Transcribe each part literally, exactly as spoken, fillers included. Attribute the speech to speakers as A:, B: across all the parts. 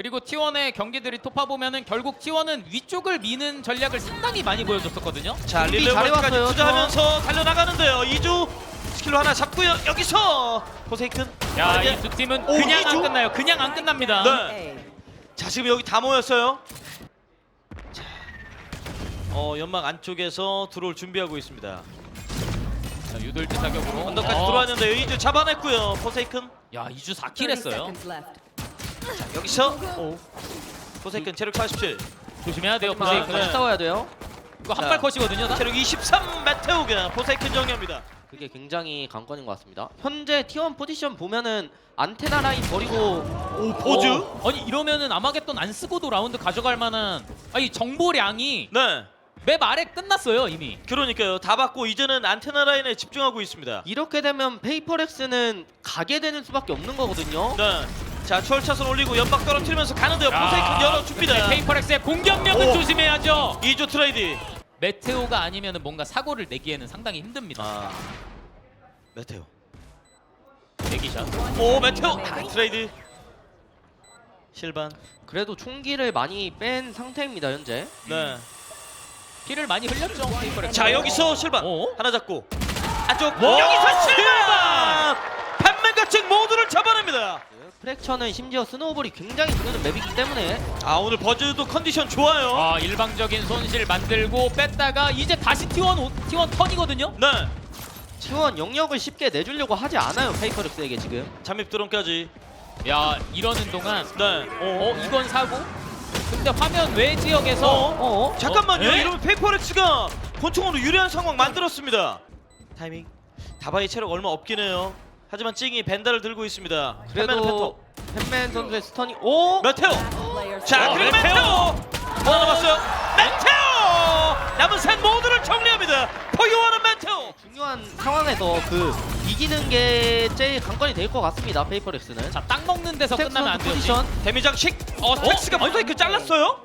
A: 그리고 티원의 경기들이 토파 보면은 결국 티원은 위쪽을 미는 전략을 상당히 많이 보여줬었거든요.
B: 자,
C: 준비
B: 릴레이까지
C: 잘해왔어요,
B: 투자하면서 달려나가는데요. 이주 스킬로 하나 잡고요. 여기서 포세이큰.
A: 야,
B: 이제-
A: 이 두 팀은
B: 오,
A: 그냥
B: 이주?
A: 안 끝나요. 그냥 안 끝납니다.
B: 네. 자, 지금 여기 다 모였어요. 자, 어 연막 안쪽에서 들어올 준비하고 있습니다.
A: 자, 유돌지 사격으로
B: 언더까지
A: 어.
B: 들어왔는데요. 이주 잡아냈고요. 포세이큰.
A: 야, 이주 사 킬 했어요.
B: 자, 여기서 오. 포세이큰 체력 사십칠.
A: 조심해야 돼요.
B: 하지만-
A: 포세이큰.
B: 네.
C: 같이 싸워야 돼요.
A: 이거
B: 자.
A: 한발 컷이거든요. 다?
B: 체력 이십삼 메테오가 포세이큰 정리합니다.
C: 그게 굉장히 관건인 것 같습니다. 현재 티원 포지션 보면은 안테나 라인 버리고
B: 오, 포즈.
A: 어, 아니 이러면은 아마겟돈 안 쓰고도 라운드 가져갈 만한 아니 정보량이
B: 네.
A: 맵 아래 끝났어요 이미.
B: 그러니까요. 다 받고 이제는 안테나 라인에 집중하고 있습니다.
C: 이렇게 되면 페이퍼렉스는 가게 되는 수밖에 없는 거거든요.
B: 네. 자, 추월 차선 올리고 연막 떨어뜨리면서 가는데요.
A: 야,
B: 포세이큰 열어줍니다.
A: 페이퍼렉스의 공격력은
B: 오.
A: 조심해야죠.
B: 이주 트레이드.
A: 메테오가 아니면은 뭔가 사고를 내기에는 상당히 힘듭니다.
B: 아, 메테오.
A: 대기샷.
B: 오, 메테오. 아, 트레이드. 실반.
C: 그래도 총기를 많이 뺀 상태입니다 현재.
B: 네.
A: 피를 많이 흘렸죠 페이퍼렉스.
B: 자, 여기서 실반.
A: 오.
B: 하나 잡고 안쪽.
A: 오,
B: 여기서 실반.
A: 실반!
B: 팬맨같은 모두를 잡아냅니다.
C: 프랙처는 심지어 스노우볼이 굉장히 주는 맵이기 때문에
B: 아, 오늘 버즈도 컨디션 좋아요.
A: 아, 일방적인 손실 만들고 뺐다가 이제 다시 티원 오- 티원 턴이거든요.
B: 네.
C: 티원 영역을 쉽게 내주려고 하지 않아요 페이퍼렉스에게 지금.
B: 잠입 드론까지.
A: 야, 이러는 동안
B: 네.
A: 어 이건 사고. 근데 화면 외 지역에서
B: 어?
C: 어?
B: 잠깐만요.
A: 어? 에?
B: 이러면 페이퍼렉스가 권총으로 유리한 상황 만들었습니다. 타이밍. 다바이 체력 얼마 없긴 해요. 하지만 찡이 벤다를 들고 있습니다. 팬맨은
C: 그래도 팬맨 선수의 스턴이 오!
B: 메테오. 자,
A: 어,
B: 그리고 메테오.
A: 메테오.
B: 하나 남았어요. 메테오. 남은 셋 모두를 정리합니다. 포효하는 메테오.
C: 중요한 상황에서 그 이기는 게 제일 관건이 될 것 같습니다 페이퍼렉스는.
A: 자, 땅 먹는 데서
C: 스택
A: 끝나면 안
C: 선수
A: 돼요.
C: 포지션.
B: 데미장식. 어, 스택스가
A: 어?
B: 모자이크 잘랐어요.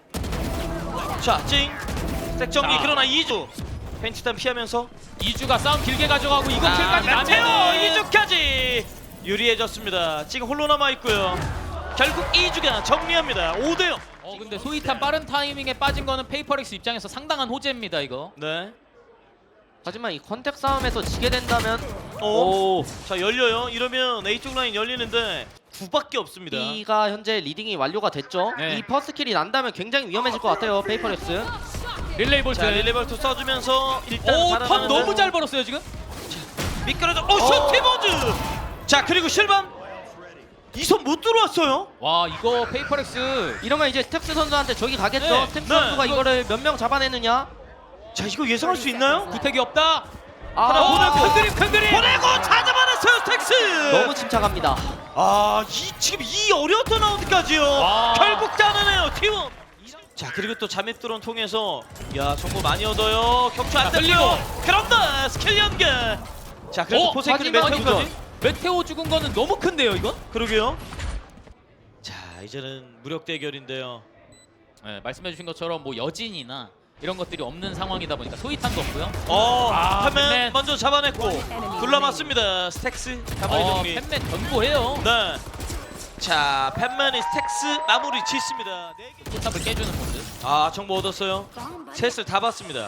B: 자, 찡. 스택 정리.
A: 자.
B: 그러나 이주. 펜치탄 피하면서
A: 이주가 싸움 길게 가져가고 이거
B: 아,
A: 킬까지
B: 메테오
A: 나면
B: 이주까지 유리해졌습니다. 지금 홀로 남아 있고요. 결국 이주가 정리합니다. 오 대 영.
A: 어 근데 소이탄 빠른 타이밍에 빠진 거는 페이퍼렉스 입장에서 상당한 호재입니다 이거.
B: 네.
C: 하지만 이 컨택 싸움에서 지게 된다면
B: 오.
C: 오.
B: 자, 열려요. 이러면 A쪽 라인 열리는데 구밖에 없습니다.
C: B가 현재 리딩이 완료가 됐죠.
A: 네.
C: 이 퍼스킬이 난다면 굉장히 위험해질 것 같아요 페이퍼렉스.
A: 릴레이 볼트.
B: 자, 릴레벌트 써주면서 일단
A: 오,
B: 살아나는데
A: 턴 너무 잘 벌었어요 지금.
B: 미끄러져. 오, 슈티버즈. 자, 그리고 실반. 이 손 못 들어왔어요.
A: 와, 이거 페이퍼렉스
C: 이러면 이제 스택스 선수한테 적이 가겠죠.
A: 네.
C: 스택스
B: 네.
C: 선수가 이거를 몇 명 잡아내느냐.
B: 자, 이거 예상할 수 있나요?
A: 구택이 없다.
C: 아,
B: 하나
A: 오늘
B: 보내고.
A: 큰 그림 큰 그림.
B: 보내고 다 잡아냈어요, 스택스.
C: 너무 침착합니다.
B: 아, 이 지금 이 어려웠던 라운드까지요.
A: 와.
B: 결국 따내네요, 팀원. 자, 그리고 또 잠입 드론 통해서 야, 정보 많이 얻어요. 격추 안
A: 자,
B: 들리고. 그런다, 스킬 연계. 자, 그래도
A: 어,
B: 포세이크는
C: 마지막
B: 메테오까지.
A: 메테오 죽은 거는 너무 큰데요 이건?
B: 그러게요. 자, 이제는 무력 대결인데요.
A: 네, 말씀해주신 것처럼 뭐 여진이나 이런 것들이 없는 상황이다 보니까 소이탄도 없고요.
B: 어,
A: 아,
B: 팬맨
A: 팬맨.
B: 먼저 잡아냈고 둘러맞습니다. 스택스 가만히
A: 어,
B: 정리.
A: 팬맨 견고해요.
B: 네. 자, 팬맨이 스택스 마무리 짓습니다. 네 개.
A: 포탑을 깨주는 모드.
B: 아, 정보 얻었어요. 셋을 다 봤습니다.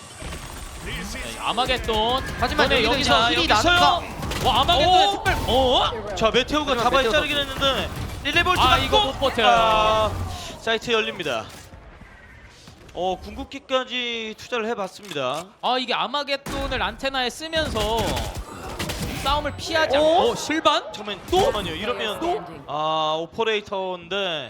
A: 네, 아마겟돈.
C: 하지만
A: 이번에
C: 여기서
A: 여기서
C: 이제 힐이
B: 여기서요.
C: 나는가.
A: 와, 아마겟돈의
B: 오!
A: 특별. 어?
B: 자, 메테오가
C: 하지만
B: 다바이
C: 메테오
B: 자르긴 했는데 릴레볼트
A: 아,
B: 맞고
A: 이거 못 버텨요.
B: 아, 사이트 열립니다. 어, 궁극기까지 투자를 해봤습니다.
A: 아, 이게 아마겟돈을 안테나에 쓰면서 싸움을 피하지
B: 오?
A: 않고. 어, 실반?
B: 잠깐만,
A: 또?
B: 잠깐만요. 이러면
A: 또?
B: 아, 오퍼레이터인데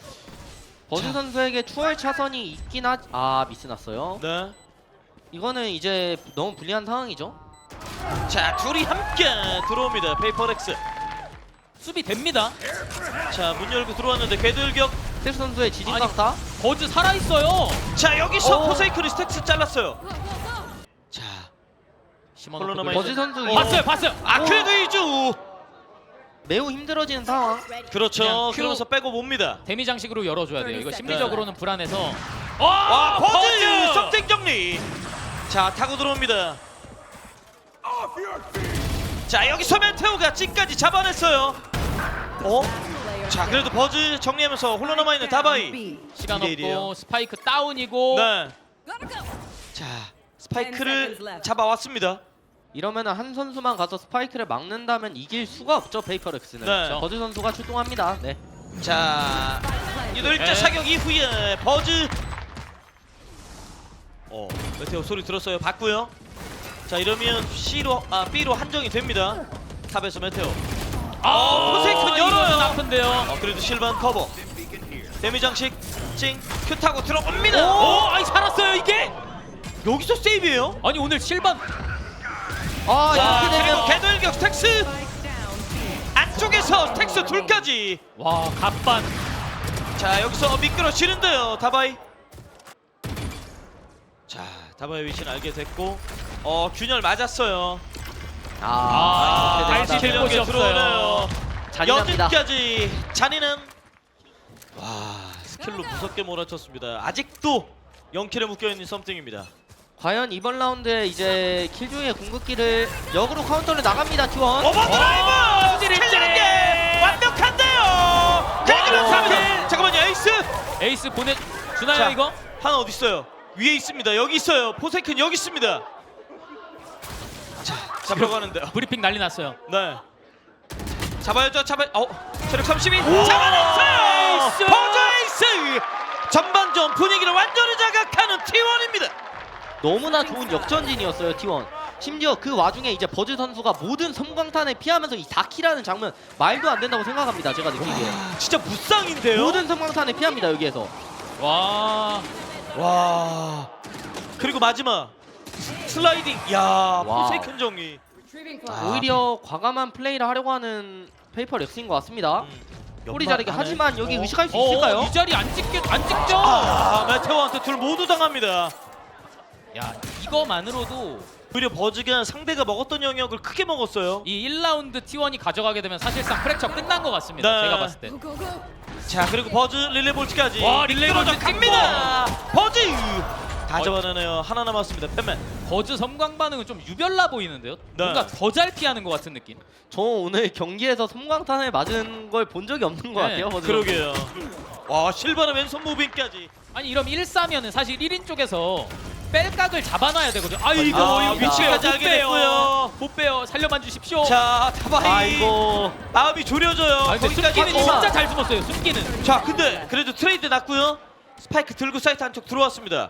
C: 버즈 선수에게 추월 차선이 있긴 하. 아 미스 났어요.
B: 네.
C: 이거는 이제 너무 불리한 상황이죠.
B: 자, 둘이 함께 들어옵니다. 페이퍼렉스.
A: 수비 됩니다.
B: 자, 문 열고 들어왔는데 궤들격.
C: 스택스 선수의 지진
A: 아니,
C: 강타.
A: 버즈 살아있어요.
B: 자, 여기서
C: 오.
B: 포세이크리 스택스 잘랐어요. 자,
A: 심어놓고
B: 콜로나
A: 돌려-
C: 버즈 선수
B: 어.
A: 봤어요, 봤어요.
B: 아, 그래도 이주.
C: 매우 힘들어지는 상황.
B: 그렇죠.
A: 그냥 큐.
B: 그러면서 빼고 봅니다.
A: 데미 장식으로 열어줘야 돼요. 이거 심리적으로는 불안해서.
B: 와,
A: 와,
B: 버즈 썸띵 정리. 자, 타고 들어옵니다. 자, 여기서 메테오가 찐까지 잡아냈어요. 어? 자 그래도 버즈 정리하면서 홀로 남아있는 다바이.
A: 시간
B: 이 대 일이에요.
A: 없고 스파이크 다운이고
B: 네. 자 스파이크를 잡아왔습니다.
C: 이러면은 한 선수만 가서 스파이크를 막는다면 이길 수가 없죠 페이퍼렉스는.
B: 네.
C: 버즈 선수가 출동합니다. 네.
B: 자 유도일자
A: 네.
B: 사격 이후에 버즈. 어 메테오 소리 들었어요. 봤고요. 자 이러면 C로 아 B로 한정이 됩니다. 탑에서 메테오. 어 포세이큰
A: 이거는
B: 열어요.
A: 아픈데요.
B: 어 그래도 실반 커버. 데미 장식 찡 큐 타고 들어옵니다.
A: 오, 아니 살았어요 이게.
B: 여기서 세이브예요.
A: 아니 오늘 실반
C: 아
B: 자
C: 이렇게
B: 그리고
C: 되면
B: 개돌격 스택스 안쪽에서 스택스 둘까지.
A: 와 갑반.
B: 자 여기서 미끄러지는데요 다바이. 자 다바이 위치는 알게 됐고 어 균열 맞았어요.
C: 아,
A: 아,
C: 이렇게
A: 알지
C: 됩니다.
A: 될 곳이
B: 킬력에 들어오네요.
C: 잔인합니다.
B: 여진까지 잔인한. 와 스킬로 무섭게 몰아쳤습니다. 아직도 영 킬에 묶여있는 썸띵입니다.
C: 과연 이번 라운드에 이제 킬조이의 궁극기를 역으로 카운터를 나갑니다 티원.
B: 오버드라이브!
A: 찌릿찌릿!
B: 킬력에 완벽한데요! 그리고 삼 킬! 잠깐만요 에이스!
A: 에이스 보내 주나요
B: 자,
A: 이거?
B: 하나 어디 있어요? 위에 있습니다. 여기 있어요. 포세이큰 여기 있습니다. 자, 잡으러 가는데요.
A: 브리핑 난리 났어요.
B: 네. 잡아야죠. 잡아. 어, 체력 삼십이. 잡아냈어요.
A: 에이스!
B: 버즈 에이스. 전반전 분위기를 완전히 자극하는 티원입니다.
C: 너무나 좋은 역전진이었어요 티원. 심지어 그 와중에 이제 버즈 선수가 모든 섬광탄을 피하면서 이 사 킬하는 장면 말도 안 된다고 생각합니다. 제가 느끼기에
B: 아, 진짜 무쌍인데요.
C: 모든 섬광탄을 피합니다 여기에서.
A: 와.
B: 와. 그리고 마지막 슬라이딩. 야,
C: 와.
B: 포세이큰 정리. 아,
C: 오히려 과감한 플레이를 하려고 하는 페이퍼 렉스인 것 같습니다.
B: 음,
C: 꼬리
B: 연막
C: 자르기
B: 안에.
C: 하지만 여기
B: 어.
C: 의식할 수
A: 어,
C: 있을까요?
A: 이 자리 안 찍게 안 찍죠?
B: 아, 메테오한테 둘 모두 당합니다.
A: 야 이거만으로도
B: 오히려 버즈가 상대가 먹었던 영역을 크게 먹었어요.
A: 이 일 라운드 티원이 가져가게 되면 사실상 프랙처 끝난 것 같습니다.
B: 네.
A: 제가 봤을 때.
B: 자 그리고 버즈 릴레이볼트까지.
A: 와, 릴레이볼트
B: 갑니다. 버즈 다
A: 어.
B: 잡아내네요. 하나 남았습니다. 팬맨.
A: 버즈 섬광 반응은 좀 유별나 보이는데요.
B: 네.
A: 뭔가 더 잘 피하는 것 같은 느낌.
C: 저 오늘 경기에서 섬광탄을 맞은 걸 본 적이 없는 것
A: 네,
C: 같아요. 버즈.
B: 그러게요. 와 실바나 왼손 무빙까지.
A: 아니 이러면 일 삼면은 사실 일 인 쪽에서 뺄각을 잡아놔야 되거든요. 아 이거
B: 아,
A: 이거
B: 위치까지
A: 못
B: 알게
A: 빼요.
B: 됐고요.
A: 못 빼요. 살려만 주십시오.
B: 자 다바이.
C: 아이고.
B: 마음이 졸여져요.
A: 아 근데
B: 거기까지
A: 숨기는
B: 왔고.
A: 진짜 잘 숨었어요. 숨기는.
B: 자 근데 그래도 트레이드 났고요. 스파이크 들고 사이트 한쪽 들어왔습니다.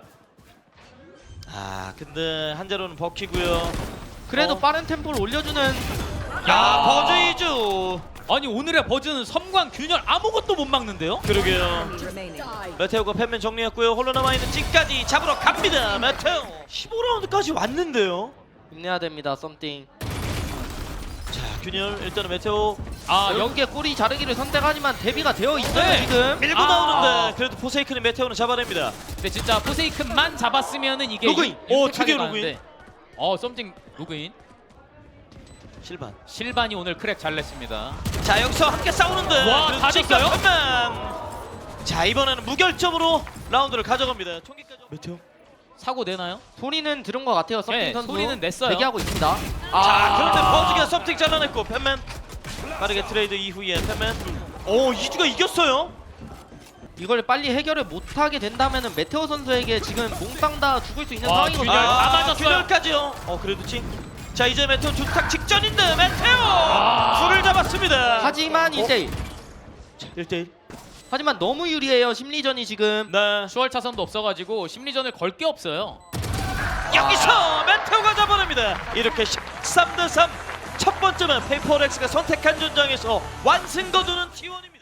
B: 아 근데 한자로는 버키고요.
C: 그래도
B: 어.
C: 빠른 템포를 올려주는.
B: 야 버즈 이주.
A: 아니 오늘의 버즈는 섬광 균열 아무것도 못 막는데요.
B: 그러게요. 메테오가 팬맨 정리했고요. 홀로 남아있는 찐까지 잡으러 갑니다. 메테오. 십오 라운드까지 왔는데요.
C: 힘내야 됩니다. 썸띵.
B: 자 균열 일단은 메테오
A: 아 여기
C: 여기에 꼬리 자르기를 선택하지만 대비가 되어 있어요
A: 네.
C: 지금.
B: 밀고
A: 아.
B: 나오는데 그래도 포세이큰이 메테오는 잡아냅니다.
A: 근데 진짜 포세이큰만 잡았으면은 이게
B: 로그인!
A: 유-
B: 오,
A: 유택하게
B: 드디어
A: 가는데.
B: 로그인.
A: 어 썸띵 로그인.
B: 실반.
A: 실반이 오늘 크랙 잘 냈습니다.
B: 자 여기서 함께 싸우는데
A: 와,
B: 그래도
A: 다
B: 찐까
A: 졌어요?
B: 팬맨. 자 이번에는 무결점으로 라운드를 가져갑니다. 총기까지. 메테오.
A: 사고 내나요?
C: 소리는 들은 것 같아요. 썸띵
A: 네,
C: 선수.
A: 소리는 냈어요.
C: 대기하고 있습니다.
B: 자 그런데 버즈가 썸띵 잘라냈고 팬맨 빠르게 트레이드 이후에 팬맨. 오 이주가 이겼어요.
C: 이걸 빨리 해결을 못하게 된다면은 메테오 선수에게 지금 몽땅 다 죽을 수 있는
A: 와,
C: 상황이거든요.
A: 균열 다 맞았어요.
B: 균열까지요. 어 그래도 찡. 자 이제 메테오 주탁 직전인데 메테오
A: 아.
B: 둘을 잡았습니다.
C: 하지만 이제
B: 자, 일 대 일.
C: 하지만 너무 유리해요. 심리전이 지금.
B: 네.
A: 슈얼 차선도 없어가지고 심리전을 걸 게 없어요.
B: 여기서 메테오가 잡아냅니다. 이렇게 십삼 대 삼. 첫 번째는 페이퍼렉스가 선택한 전장에서 완승 거두는 티원입니다.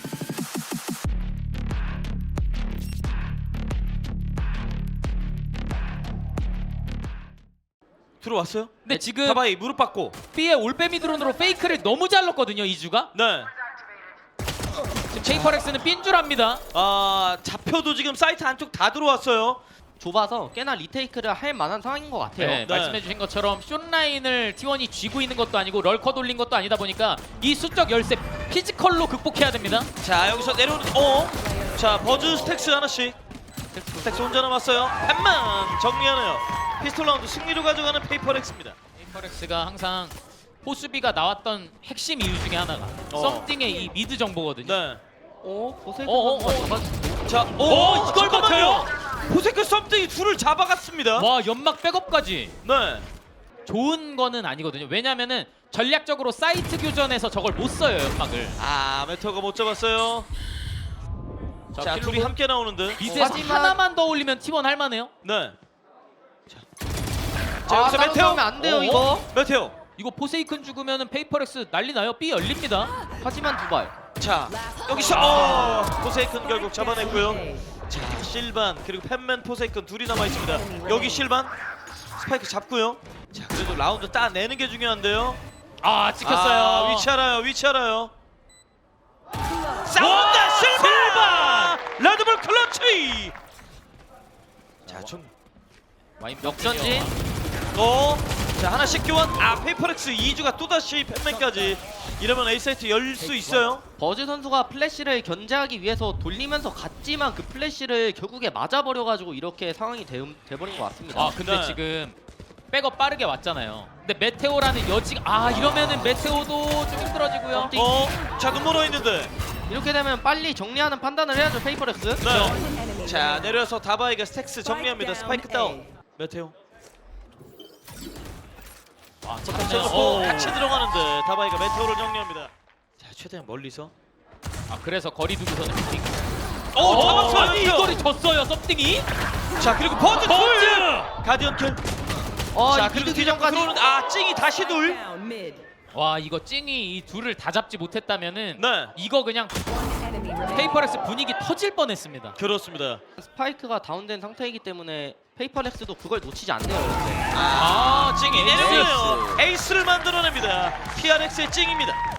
B: 들어왔어요?
A: 근데 지금
B: 다바이 무릎 받고.
A: B의 올빼미 드론으로 페이크를 너무 잘 넣었거든요 이주가.
B: 네.
A: 지금 페이퍼렉스는 삔 줄 압니다.
B: 아 잡혀도 지금 사이트 안쪽 다 들어왔어요.
C: 좁아서 꽤나 리테이크를 할 만한 상황인 것 같아요.
A: 네, 말씀해주신 것처럼 숏라인을 티원이 쥐고 있는 것도 아니고 럴커 돌린 것도 아니다 보니까 이 수적 열세 피지컬로 극복해야 됩니다.
B: 자 여기서 내려오는 어. 자 버즈 스택스 하나씩. 스택스 혼자 남았어요. 팬만 정리하네요. 피스톨 라운드 승리로 가져가는 페이퍼렉스입니다.
A: 페이퍼렉스가 항상 포수비가 나왔던 핵심 이유 중에 하나가
B: 어.
A: 썸띵의 이 미드 정보거든요.
B: 네.
C: 어? 보세이크
A: 어, 어,
C: 선수가
A: 어.
C: 잡아주고
B: 자, 오,
A: 어, 이걸
B: 잠깐만요. 포세크 썸띵이 둘을 잡아갔습니다.
A: 와 연막 백업까지
B: 네.
A: 좋은 거는 아니거든요. 왜냐면은 전략적으로 사이트 교전에서 저걸 못 써요 연막을.
B: 아, 메테오가 못 잡았어요. 자, 둘이 함께 나오는데.
A: 미드에서
C: 하지만-
A: 하나만 더 올리면 티원 할만해요.
B: 네. 자, 자
C: 아,
B: 여기서
C: 따로
B: 메테오.
C: 싸우면 안 돼요,
B: 어?
C: 이거.
B: 메테오.
A: 이거 포세이큰 죽으면은 페이퍼렉스 난리 나요. B 열립니다.
C: 하지만 두발
B: 자, 여기서 어, 포세이큰 결국 잡아냈고요. 자, 실반 그리고 팬맨 포세이큰 둘이 남아 있습니다. 여기 실반 스파이크 잡고요. 자, 그래도 라운드 따내는 게 중요한데요.
A: 아 찍혔어요.
B: 아, 위치 알아요. 위치 알아요. 싸운다 실반. 레드불 클러치. 자, 좀
A: 와인
C: 역전진.
B: 어, 자 하나씩 교환. 아, 페이퍼렉스 이 주가 또다시 팬맨까지. 이러면 A 사이트 열 수 있어요.
C: 버즈 선수가 플래시를 견제하기 위해서 돌리면서 갔지만 그 플래시를 결국에 맞아버려가지고 이렇게 상황이 돼, 돼버린 것 같습니다.
A: 아 근데
B: 네.
A: 지금 백업 빠르게 왔잖아요. 근데 메테오라는 여지가 아 이러면은 메테오도 좀 힘들어지고요.
B: 어, 자 눈 멀어 있는데.
C: 이렇게 되면 빨리 정리하는 판단을 해야죠, 페이퍼렉스.
B: 네. 자 내려서 다바이가 스택스 정리합니다. 스파이크 다운. 메테오.
A: 아
B: 자,
A: 잠깐만요.
B: 어,
A: 오.
B: 같이 들어가는데 다바이가 메테오를 정리합니다. 자 최대한 멀리서.
A: 아 그래서 거리 두고서는 미팅.
B: 오,
A: 어,
B: 잡았어요.
A: 아니 이거리 졌어요 썸띵이.
B: 자 그리고 버즈 둘. 가디언 킬.
C: 어,
B: 자
C: 이
B: 그리고
C: 미드
B: 뒤전까지
C: 뒤전까지.
B: 들어오는데 아 찡이 다시 둘.
A: 와 이거 찡이 이 둘을 다 잡지 못했다면은
B: 네.
A: 이거 그냥 페이퍼렉스 분위기 터질 뻔했습니다.
B: 그렇습니다.
C: 스파이크가 다운된 상태이기 때문에 페이퍼렉스도 그걸 놓치지 않네요, 이렇게.
B: 아 찡이
A: 에이스.
B: 내려오네요. 에이스를 만들어냅니다. 피알엑스의 찡입니다.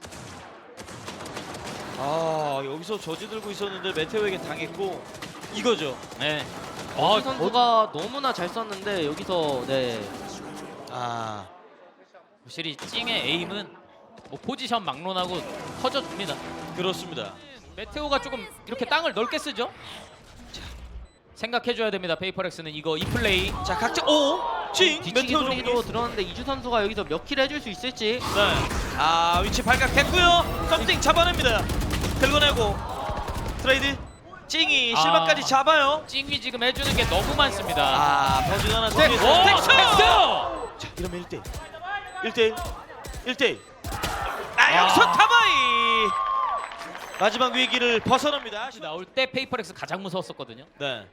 B: 아 여기서 저지 들고 있었는데 메테오에게 당했고 이거죠.
A: 네.
C: 버즈
A: 어,
C: 선수가 너무나 잘 썼는데 여기서 네.
B: 아
A: 확실히 찡의 에임은 뭐 포지션 막론하고 터져줍니다.
B: 그렇습니다.
A: 메테오가 조금 이렇게 땅을 넓게 쓰죠. 생각해줘야 됩니다. 페이퍼렉스는 이거 이 플레이.
B: 자 각자 오찡
C: 뒤치기
B: 메테오 정리.
C: 소리도 들었는데 이주 선수가 여기서 몇 킬 해줄 수 있을지.
B: 네. 아 위치 발각됐고요. 썸띵 잡아냅니다. 긁어내고 트레이드. 찡이
A: 아.
B: 실마까지 잡아요.
A: 찡이 지금 해주는 게 너무 많습니다.
B: 아 버즈 하나 더.
A: 오,
B: 스택스.
A: 스택스!
B: 자 이러면 일 대 일. 일 대 일. 일 대 일. 아 여기서
A: 아.
B: 타바이 마지막 위기를 벗어납니다.
A: 나올 때 페이퍼렉스 가장 무서웠었거든요.
B: 네.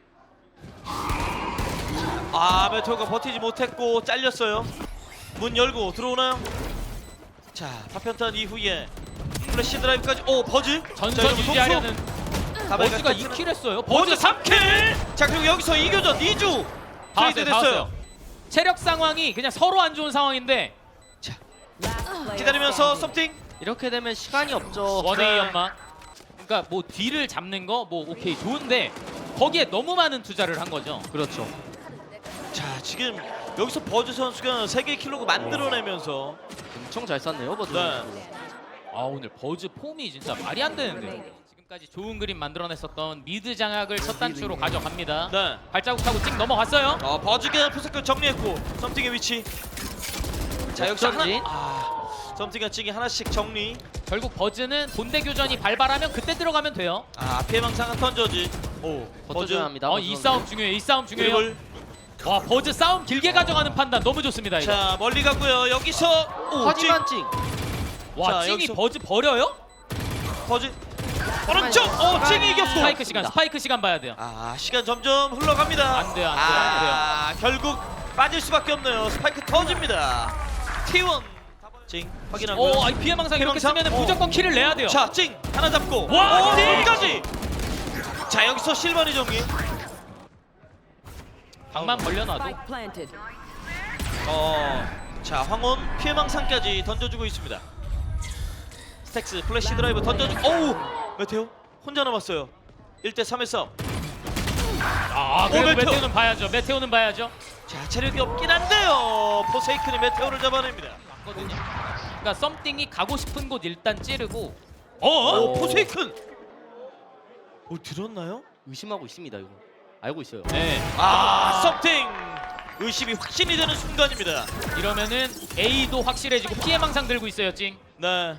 B: 아 메테오가 버티지 못했고 잘렸어요. 문 열고 들어오나요? 자 파편탄 이후에 플래시 드라이브까지. 오 버즈. 자,
A: 전선
B: 이러면
A: 유지하려는
B: 속속. 다바이가
A: 버즈가
B: 스택스는-
A: 이 킬 했어요.
B: 버즈 삼 킬. 자 그리고 여기서 이교전 이 주
A: 다
B: 트레이드
A: 왔어요, 다
B: 됐어요.
A: 왔어요. 체력 상황이 그냥 서로 안 좋은 상황인데
B: 기다리면서 썸띵.
C: 이렇게 되면 시간이 없죠.
A: 원웨이 연막. 그러니까 뭐 뒤를 잡는 거 뭐 오케이 좋은데 거기에 너무 많은 투자를 한 거죠.
C: 그렇죠.
B: 자 지금 여기서 버즈 선수가 세 개의 킬로그 만들어내면서
C: 엄청 잘 쐈네요, 버즈.
B: 네.
C: 선수.
A: 아 오늘 버즈 폼이 진짜 말이 안 되는데. 지금까지 좋은 그림 만들어냈었던 미드 장악을 첫 단추로 가져갑니다.
B: 네.
A: 발자국하고 찍 넘어갔어요.
B: 어, 버즈가 포스크 정리했고 썸띵의 위치. 자 여기서 하나.
C: 역전진.
B: 아 썸띵과 찡이 하나씩 정리.
A: 결국 버즈는 본대 교전이 발발하면 그때 들어가면 돼요.
B: 아 피해망상한 던져지. 오
C: 버텨줘야 합니다.
A: 어,
C: 버즈
A: 이
C: 선수.
A: 싸움 중요해요. 이 싸움 중요해요.
B: 드리블.
A: 와 버즈 싸움 길게 가져가는 판단 너무 좋습니다. 이거.
B: 자 멀리 가고요. 여기서 오,
C: 하지만 찡.
A: 와
B: 자,
A: 찡이
B: 여기서-
A: 버즈 버려요?
B: 찡, 버즈 오른쪽. 어 찡이 이겼고.
A: 스파이크 시간 스파이크 시간 봐야 돼요.
B: 아 시간 점점 흘러갑니다.
A: 안 돼요, 안 돼요, 안 돼요.
B: 아 결국 빠질 수밖에 없네요. 스파이크 터집니다. 티 원. 찡 확인하고요.
A: 오, 아이 피해망상 이렇게
B: 피해망상?
A: 쓰면
B: 어.
A: 무조건 킬을 내야 돼요.
B: 자, 찡 하나 잡고.
A: 와,
B: 오,
A: 찡!
B: 끝까지. 자, 여기서 실버니 정리.
A: 방만 벌려놔도
D: Spike planted.
B: 어, 자, 황혼 피해망상까지 던져주고 있습니다. 스택스 플래시 드라이브 던져주. 오우, 메테오 혼자 남았어요. 일 대 삼의 싸움.
A: 아
B: 오,
A: 그래도
B: 메테오.
A: 메테오는 봐야죠. 메테오는 봐야죠.
B: 자, 체력이 없긴 한데요. 포세이큰이 메테오를 잡아냅니다.
A: 맞거든요. 그러니까 썸띵이 가고 싶은 곳 일단 찌르고
B: 어,
C: 오.
B: 포세이큰. 오, 들었나요?
C: 의심하고 있습니다, 이거. 알고 있어요.
A: 네.
B: 아, 썸띵. 의심이 확신이 되는 순간입니다.
A: 이러면은 A도 확실해지고 피해망상 들고 있어요 찡.
B: 네.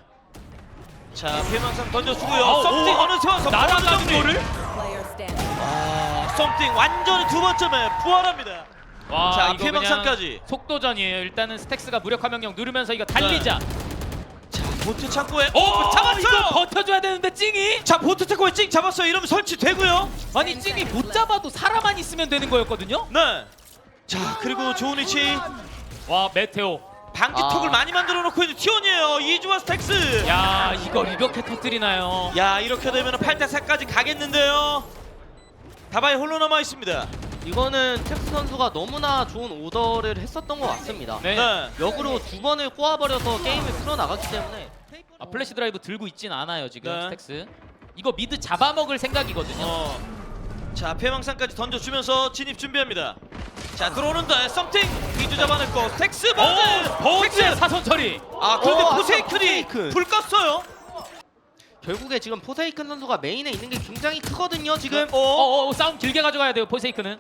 B: 자, 피해망상 던져주고요.
A: 아,
B: 썸띵
A: 오.
B: 어느새 와서
A: 날아가는
B: 정리.
A: 거를?
D: Player standing.
B: 아, 썸띵 완전히 두 번쯤에 부활합니다.
A: 와,
B: 자,
A: 이거
B: 피해망상까지.
A: 그냥 속도전이에요. 일단은 스택스가 무력화 명령 누르면서 이거 달리자.
B: 자, 보트 창고에
A: 오,
B: 오, 잡았어요.
A: 이거 버텨줘야 되는데 찡이.
B: 자, 보트 창고에 찡 잡았어요. 이러면 설치되고요.
A: 아니 찡이 못 잡아도 사람만 있으면 되는 거였거든요.
B: 네. 자, 그리고 좋은 위치.
A: 와 메테오.
B: 방지턱을
C: 아.
B: 많이 만들어 놓고 있는 티원이에요. 이주와 스택스.
A: 야 이걸 이렇게 터뜨리나요?
B: 야, 이렇게 되면 팔 대 사까지 가겠는데요. 다바이 홀로 남아 있습니다.
C: 이거는 텍스 선수가 너무나 좋은 오더를 했었던 것 같습니다.
A: 네.
B: 네.
C: 역으로 두 번을 꼬아버려서 게임을 풀어나갔기 때문에
A: 아, 플래시 드라이브 들고 있진 않아요 지금
B: 네.
A: 스택스. 이거 미드 잡아먹을 생각이거든요.
B: 어. 자, 폐망상까지 던져주면서 진입 준비합니다. 자, 들어오는데 썸띵 이주 잡아냈고 스택스 버즈.
A: 버즈의 사선 처리.
B: 아, 그런데
C: 어,
B: 포세이큰이
C: 포세이큰.
B: 불 껐어요.
C: 결국에 지금 포세이큰 선수가 메인에 있는 게 굉장히 크거든요. 지금
B: 어.
A: 어, 어, 싸움 길게 가져가야 돼요 포세이크는.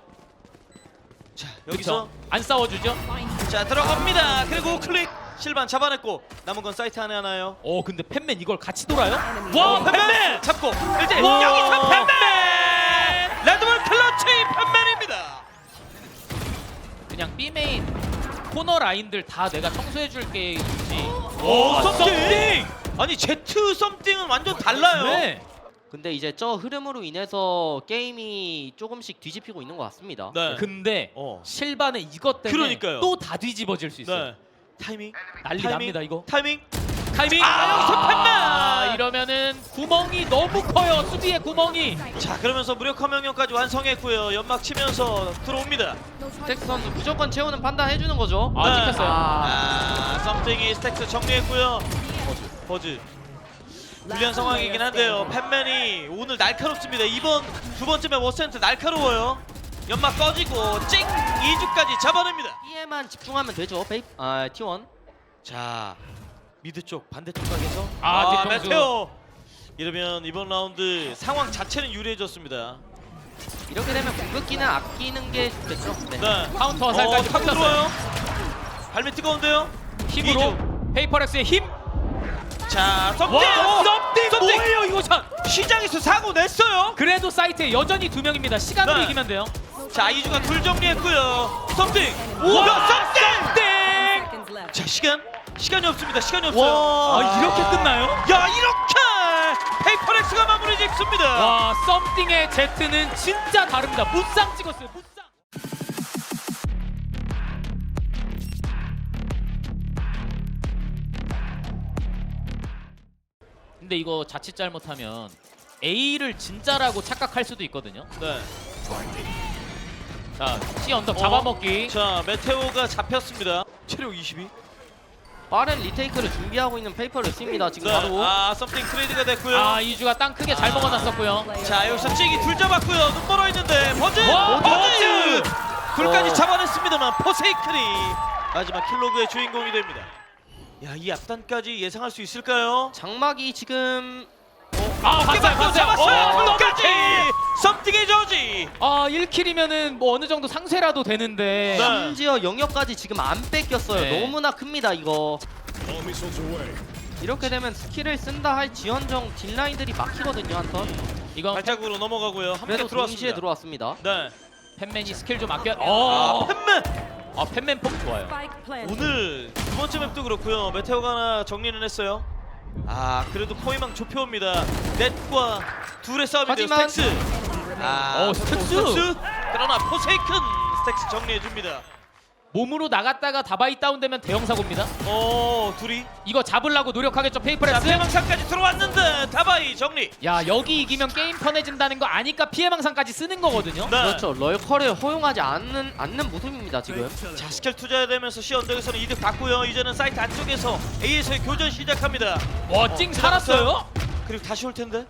B: 자, 여기서
A: 그쵸? 안 싸워주죠?
B: 자, 들어갑니다. 그리고 클릭 실반 잡아냈고 남은 건 사이트 안에 하나요.
A: 어 근데 팬맨 이걸 같이 돌아요?
D: Enemy
A: 와
B: 어,
A: 팬맨!
B: 팬맨 잡고 일단
A: 와.
B: 여기서 팬맨 레드볼 클러치 팬맨입니다.
A: 그냥 B 메인 코너 라인들 다 내가 청소해줄게 있지.
B: 오, 썸띵! 아니 제트 썸띵은 완전 달라요.
A: 네.
C: 근데 이제 저 흐름으로 인해서 게임이 조금씩 뒤집히고 있는 것 같습니다.
B: 네.
A: 근데
B: 어.
A: 실반의 이것 때문에
B: 그러니까요.
A: 또 다 뒤집어질 수 있어요.
B: 네. 타이밍.
A: 난리
B: 타이밍,
A: 납니다 이거.
B: 타이밍.
A: 타이밍.
B: 아, 여기서 팬맨!
A: 아, 이러면은 구멍이 너무 커요 수비의 구멍이.
B: 자, 그러면서 무력화 명령까지 완성했고요. 연막 치면서 들어옵니다.
C: 텍스 선수 무조건 채우는 판단 해주는 거죠.
A: 아
B: 네.
A: 찍혔어요.
B: 아, 썸띵이 스택스 정리했고요. 버즈. 버즈. 불리한 상황이긴 한데요. 팬맨이 오늘 날카롭습니다. 이번 두 번쯤에 워센트 날카로워요. 연막 꺼지고 찡! 이주까지 잡아냅니다.
C: B에만 집중하면 되죠. 베이 아 티원.
B: 자, 미드 쪽 반대쪽 각에서
A: 아, 뒤통수.
B: 메테오. 이러면 이번 라운드 상황 자체는 유리해졌습니다.
C: 이렇게 되면 궁극기는 아끼는 게 좋겠죠. 네.
B: 네.
A: 카운터
B: 어,
A: 화살까지
B: 타고
A: 붙였어요.
B: 들어와요. 발밑 뜨거운데요.
A: 힘으로 페이퍼렉스의 힘.
B: 자, 썸띵!
A: 와 썸띵
B: 썸띵!
A: 뭐예요 이거 참.
B: 시장에서 사고 냈어요.
A: 그래도 사이트에 여전히 두 명입니다. 시간으로
B: 네.
A: 이기면 돼요.
B: 자, 이주가 둘 정리했고요. 썸띵!
A: 우와
B: 우와, 썸띵!
A: 썸띵.
D: seconds left.
B: 자, 시간 시간이 없습니다. 시간이 없어요.
A: 아 이렇게 끝나요?
B: 야, 이렇게 페이퍼렉스가 마무리 짓습니다.
A: 와 썸띵의 제트는 진짜 다릅니다. 무쌍 찍었어요. 무쌍. 근데 이거 자칫 잘못하면 A를 진짜라고 착각할 수도 있거든요.
B: 네.
A: 자, C 언덕
B: 어?
A: 잡아먹기.
B: 자, 메테오가 잡혔습니다. 체력 이십이.
C: 빠른 리테이크를 준비하고 있는 페이퍼를 씁니다. 지금
B: 네.
C: 바로.
B: 아, 썸띵 트레이드가 됐고요.
A: 아 이주가 땅 크게 잘 먹어놨었고요.
B: 자, 여기서 찡이 둘 잡았고요. 눈 멀어 있는데 버즈!
A: 와,
B: 버즈!
A: 버즈!
B: 둘까지
C: 어.
B: 잡아냈습니다만 포세이큰이 마지막 킬로그의 주인공이 됩니다. 야, 이 앞단까지 예상할 수 있을까요?
C: 장막이 지금
A: 아 봤어요 봤어요.
B: 잡았어요.
A: 어,
B: 끝까지 썸띵의 저지.
A: 아 일 킬이면은 뭐 어느 정도 상쇄라도 되는데.
B: 네.
C: 심지어 영역까지 지금 안 뺏겼어요.
A: 네.
C: 너무나 큽니다 이거. 이렇게 되면 스킬을 쓴다 할 지원정 딜라인들이 막히거든요 한 턴.
A: 이건
B: 발자국으로 넘어가고요. 함께
C: 그래도 동시에
B: 들어왔습니다.
C: 들어왔습니다.
B: 네.
A: 팬맨이 스킬 좀 아껴.
B: 아,
A: 어.
B: 팬맨.
A: 아 팬맨 폼 좋아요.
D: Spike planted.
B: 오늘 두 번째 맵도 그렇고요. 메테오가 하나 정리는 했어요. 아, 그래도 포위망 좁혀옵니다. 넷과 둘의 싸움인데요.
C: 하지만-
B: 스택스. 아,
A: 어, 스택스.
B: 스택스. 그러나 포세이큰 스택스 정리해 줍니다.
A: 몸으로 나갔다가 다바이 다운되면 대형 사고입니다.
B: 어, 둘이.
A: 이거 잡으려고 노력하겠죠
B: 자,
A: 페이퍼렉스.
B: 피해망상까지 들어왔는데 다바이 정리.
A: 야 여기 이기면 게임 편해진다는 거 아니까 피해망상까지 쓰는 거거든요.
B: 네.
C: 그렇죠. 럴커를 허용하지 않는 않는 모습입니다 지금.
B: 자, 스킬 투자되면서 C 언덕에서는 이득 봤고요. 이제는 사이트 안쪽에서 A에서의 교전 시작합니다.
A: 와찡
B: 어,
A: 살았어요?
B: 그리고 다시 올 텐데.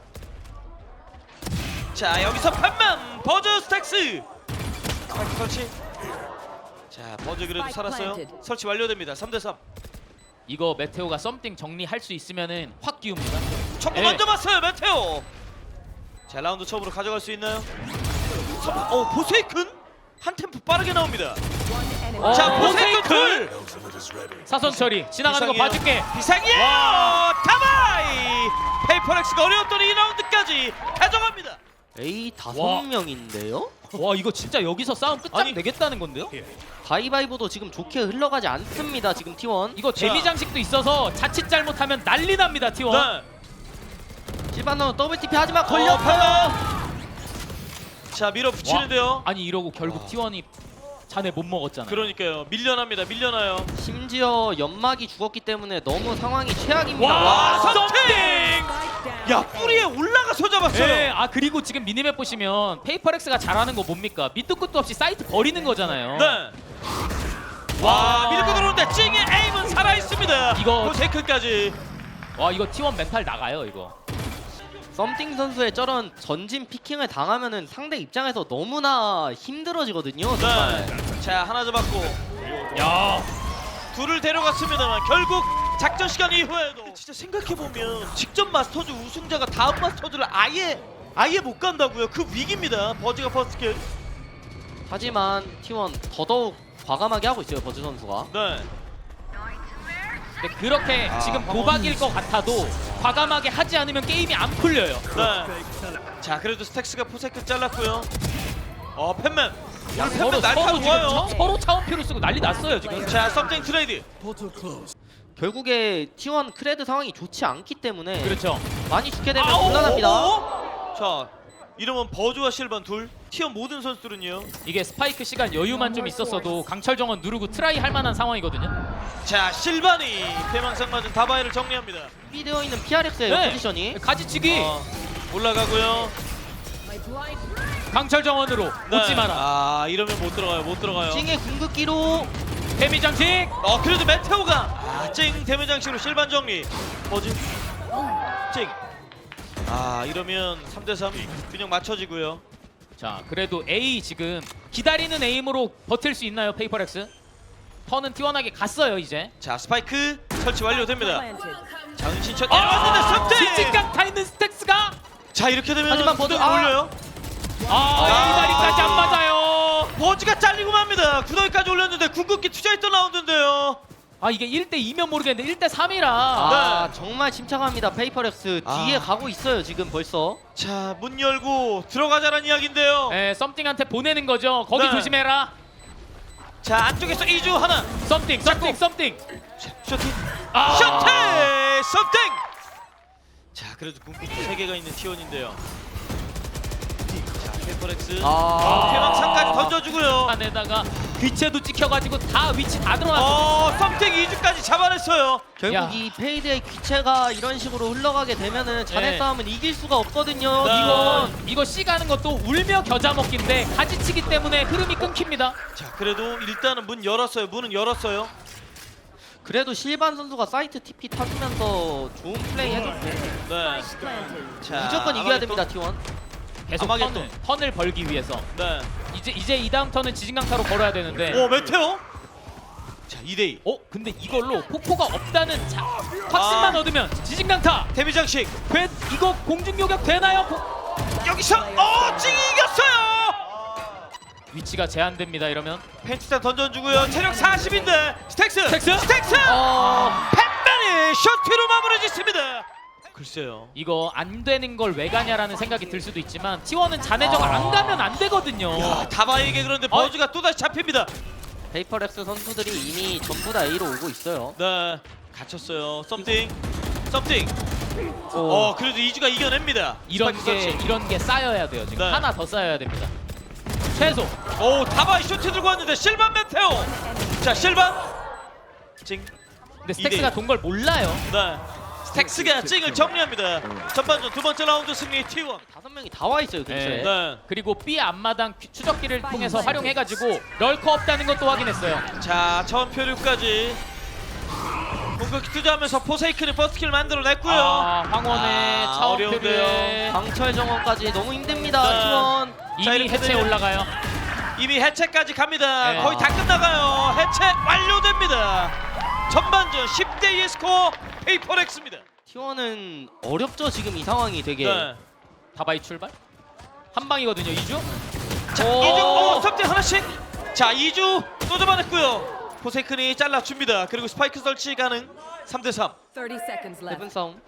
B: 자, 여기서 팬맨 버즈 스택스. 스파이크 설치. 자, 버즈 그래도
D: Spike
B: 살았어요.
D: planted.
B: 설치 완료됩니다. 삼 대 삼.
A: 이거 메테오가 썸띵 정리할 수 있으면은 확 끼웁니다.
B: 청구
A: 네.
B: 먼저 봤어요, 메테오. 자, 라운드 처음으로 가져갈 수 있나요? 서- 어, 포세이큰 한 템포 빠르게 나옵니다.
D: One
A: 어,
B: 자
A: 포세이큰!
B: 포세이큰
A: 사선 처리 지나가는 거
B: 이상해요.
A: 봐줄게.
B: 비상이에요.
A: 와.
B: 가마이 페이퍼렉스가 어려웠던 이 라운드까지 가져갑니다.
C: A 다섯
A: 와.
C: 명인데요?
A: 와 이거 진짜 여기서 싸움 끝장
B: 아니.
A: 내겠다는 건데요?
C: 가위바위보도 지금 좋게 흘러가지 않습니다. 지금 티원.
A: 이거 데미 장식도 있어서 자칫 잘못하면 난리 납니다 티원.
B: 네.
C: 실바노 더블 티피 하지만
B: 어,
C: 걸렸어요.
B: 파마. 자 밀어붙이는데요.
A: 아니 이러고 결국 티원이 자네 못 먹었잖아요.
B: 그러니까요. 밀려납니다. 밀려나요.
C: 심지어 연막이 죽었기 때문에 너무 상황이 최악입니다.
A: 와,
B: 와,
A: 썸띵!
B: 썸띵! 야 뿌리에 올라가서 잡았어요.
A: 네, 아 그리고 지금 미니맵 보시면 페이퍼렉스가 잘하는 거 뭡니까? 밑도 끝도 없이 사이트 버리는 거잖아요.
B: 네. 와
A: 와.
B: 밀고 들어오는데 찡의 에임은 살아 있습니다.
A: 이거-
B: 포세이큰까지.
A: 와 이거 티원 멘탈 나가요 이거.
C: 썸띵 선수의 저런 전진 피킹을 당하면은 상대 입장에서 너무나 힘들어지거든요. 정말.
B: 네. 자 하나 잡았고
A: 야,
B: 둘을 데려갔습니다만 결국 작전 시간 이후에도 진짜 생각해 보면 직전 마스터즈 우승자가 다음 마스터즈를 아예 아예 못 간다고요. 그 위기입니다. 버즈가 퍼스트
C: 하지만 티원 더더욱 과감하게 하고 있어요. 버즈 선수가.
B: 네.
A: 근데 그렇게
B: 아,
A: 지금
B: 황혼.
A: 도박일 것 같아도 과감하게 하지 않으면 게임이 안 풀려요.
B: 네. 자 그래도 스택스가 포세이큰 잘랐고요. 어 팬맨. 야
A: 서로
B: 팬맨 날타
A: 서로 지금
B: 좋아요.
A: 차- 서로 차원표를 쓰고 난리 났어요 지금.
B: 자 썸띵 트레이드.
C: 결국에 티원 크레드 상황이 좋지 않기 때문에
A: 그렇죠.
C: 많이 죽게 되면
B: 아오,
C: 곤란합니다.
B: 오, 오. 자 이러면 버즈와 실반 둘. 티어 모든 선수들은요.
A: 이게 스파이크 시간 여유만 좀 있었어도 강철 정원 누르고 트라이 할 만한 상황이거든요.
B: 자 실반이 대망상 맞은 다바이를 정리합니다.
C: 준비되어 있는 피알엑스예요.
A: 네.
C: 포지션이.
A: 가지치기
B: 어, 올라가고요.
A: 강철 정원으로
B: 네.
A: 웃지 마라.
B: 아 이러면 못 들어가요. 못 들어가요.
C: 찡의 궁극기로
A: 데미 장식.
B: 어 그래도 메테오가 아, 찡 대면장식으로 실반 정리. 버즈 찡. 아 이러면 삼 대 삼 균형 맞춰지고요.
A: 자 그래도 A 지금 기다리는 에임으로 버틸 수 있나요 페이퍼렉스? 턴은 티원하게 갔어요 이제.
B: 자 스파이크 설치 완료됩니다.
D: Planted.
B: 자 은신천 내려왔는데 섭대.
A: 진진강 타 있는 스택스가.
B: 자 이렇게 되면
C: 하지만 버즈-
B: 구덩이
C: 아.
B: 올려요.
A: 아,
B: 아.
A: 이다리까지 안 맞아요.
B: 버즈가 잘리고 맙니다. 구덩이까지 올렸는데 궁극기 투자했던 라운드인데요.
A: 아 이게 일 대 이면 모르겠는데 일 대 삼이라.
C: 아
B: 네.
C: 정말 침착합니다. 페이퍼렉스
B: 아.
C: 뒤에 가고 있어요. 지금 벌써.
B: 자 문 열고 들어가자는 이야기인데요.
A: 에 썸띵한테 보내는 거죠. 거기
B: 네.
A: 조심해라.
B: 자 안쪽에서 이주 하나.
A: 썸띵, 썸띵, 썸띵.
B: 쇼팅.
A: 아.
B: 쇼팅. 썸띵. 자 그래도 궁극기 세 개가 있는 티원인데요. 자 페퍼렉스.
C: 아.
B: 태망상까지 던져주고요.
A: 안에다가 귀체도 찍혀가지고 다 위치 다 들어왔어.
B: 어 썸띵 이주까지 잡아냈어요.
C: 결국
A: 야.
C: 이 페이드의 귀체가 이런 식으로 흘러가게 되면은 자네
A: 네.
C: 싸움은 이길 수가 없거든요.
B: 네.
A: 이거 이거 C 가는 것도 울며 겨자 먹기인데 가지치기 때문에 흐름이 끊깁니다.
B: 자 그래도 일단은 문 열었어요. 문은 열었어요.
C: 그래도 실반 선수가 사이트 티피 타주면서 좋은 플레이 해줬고
B: 네.
D: Planted.
B: 자
C: 무조건 이겨야
B: 아마겟돈.
C: 됩니다 티원.
A: 계속
B: 아마겟돈.
A: 턴을, 턴을 벌기 위해서
B: 네.
A: 이제 이제 이 다음 턴은 지진강타로 걸어야 되는데.
B: 오 메테오. 자 이 대 이.
A: 어 근데 이걸로 폭포가 없다는 자, 확신만
B: 아.
A: 얻으면 지진강타.
B: 데미장식.
A: 돼, 이거 공중요격 되나요? 폭-
B: 여기서 어 찡이 이겼어요.
A: 위치가 제한됩니다 이러면.
B: 펜치탄 던져주고요. 체력 사십인데 스택스.
A: 스택스?
B: 스택스.
A: 어
B: 팬맨이 셔티로 마무리 짓습니다. 글쎄요.
A: 이거 안 되는 걸 왜 가냐라는 생각이 들 수도 있지만 티원은 자네적 안 가면 안 되거든요.
B: 야 다바에게 그런데
A: 어?
B: 버즈가 또다시 잡힙니다.
C: 페이퍼렉스 선수들이 이미 전부 다 A로 오고 있어요.
B: 네. 갇혔어요. 썸띵. 썸띵.
C: 오.
B: 어 그래도 이주가 이겨냅니다.
A: 이런
B: 스파이크
A: 게
B: 설치.
A: 이런 게 쌓여야 돼요 지금.
B: 네.
A: 하나 더 쌓여야 됩니다. 최소.
B: 오 다바이 쇼트 들고 왔는데 실반 메테오. 자 실반. 찡.
A: 근데 스택스가
B: 이 대 일.
A: 돈 걸 몰라요.
B: 네. 스택스가 찡을 정리합니다. 전반전 두 번째 라운드 승리 티원.
C: 다섯 명이 다 와 있어요 근처에.
A: 네.
B: 네.
A: 그리고 B 앞마당 귀- 추적기를 통해서 활용해가지고 럴커 없다는 것도 확인했어요.
B: 자 처음 표류까지 공격기 투자하면서 포세이큰이 버스킬 만들어냈고요.
A: 아, 황혼의
B: 아,
A: 차원표류에
B: 어려운데요.
C: 강철 정원까지 너무 힘듭니다
B: 네.
C: 티원.
B: 자,
A: 이미
B: 이렇게
A: 해체
B: 되면-
A: 올라가요.
B: 이미 해체까지 갑니다.
A: 네.
B: 거의 다 끝나가요. 해체 완료됩니다. 전반전 십 대 이의 스코어 페이퍼렉스입니다.
C: 티원은 어렵죠 지금 이 상황이 되게.
B: 네.
A: 다바이 출발. 한 방이거든요 이주.
B: 자, 이중 오, 섭대 하나씩. 자 이주 또 잡아냈고요. 포세이큰이 잘라줍니다. 그리고 스파이크 설치 가능. 삼 대 삼.
D: thirty seconds
C: 헤븐
D: left.
C: 싸움.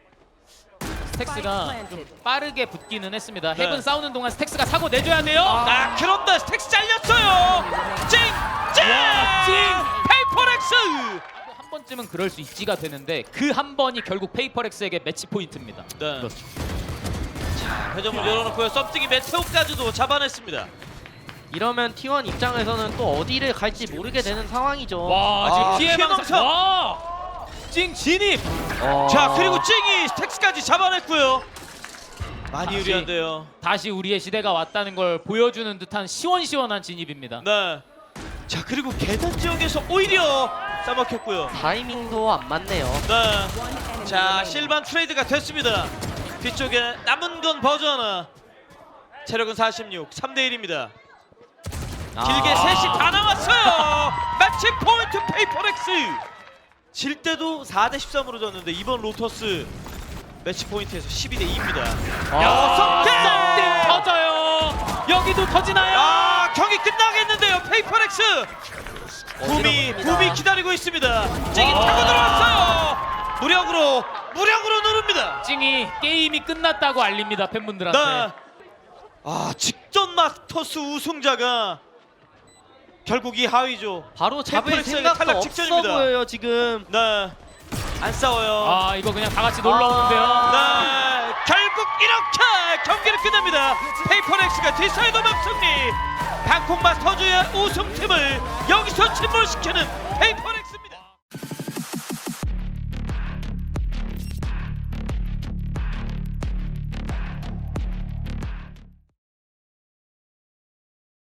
A: 스택스가 좀 빠르게 붙기는 했습니다.
B: 네.
A: 헤븐 싸우는 동안 스택스가 사고 내줘야 돼요.
B: 아 그런데 스택스 잘렸어요. 찡! 찡!
A: 와, 찡!
B: 페이퍼렉스!
A: 한 번쯤은 그럴 수 있지가 되는데 그 한 번이 결국 페이퍼렉스에게 매치 포인트입니다.
B: 네.
A: 그렇죠.
B: 자 회전문 열어놓고요. 썸띵이 메테오까지도 잡아냈습니다.
C: 이러면 티원 입장에서는 또 어디를 갈지 모르게 되는 상황이죠.
A: 와 지금
B: 아,
A: 피해
B: 피해
A: 망상.
B: 망상.
A: 와! 찡 진입.
C: 어.
B: 자 그리고 찡이 스택스까지 잡아냈고요. 많이
A: 다시.
B: 유리한데요.
A: 다시 우리의 시대가 왔다는 걸 보여주는 듯한 시원시원한 진입입니다.
B: 네. 자 그리고 계단 지역에서 오히려 싸먹혔고요.
C: 타이밍도 안 맞네요.
B: 네.
D: One enemy
B: 자
D: remaining.
B: 실반 트레이드가 됐습니다. 뒤쪽에 남은 건 버즈 하나. 체력은 사십육. 삼 대 일입니다. 길게
C: 아.
B: 셋이 다 남았어요. 매치 포인트 페이퍼렉스. 질 때도 사 대 십삼으로 졌는데 이번 로터스 매치 포인트에서 십이 대 이입니다. 여섯 개!
A: 썸띵 터져요. 여기도 터지나요?
B: 아 경기 끝나겠는데요. 페이퍼렉스. 붐이
C: 어지럽습니다.
B: 붐이 기다리고 있습니다. 찡이
A: 아.
B: 타고 들어왔어요. 무력으로 무력으로 누릅니다.
A: 찡이 게임이 끝났다고 알립니다 팬분들한테.
B: 네. 아 직전 마스터스 우승자가 결국 이 하위죠.
C: 바로 잡을
B: 페이퍼렉스에게
C: 생각도
B: 탈락
C: 없어
B: 직전입니다.
C: 보여요 지금.
B: 네. 안 싸워요.
A: 아 이거 그냥 다 같이 놀러 오는데요.
B: 네. 결국 이렇게 경기를 끝냅니다. 페이퍼렉스가 디사이더 맵 승리. 방콕 마스터즈의 우승팀을 여기서 침몰시키는 페이퍼렉스.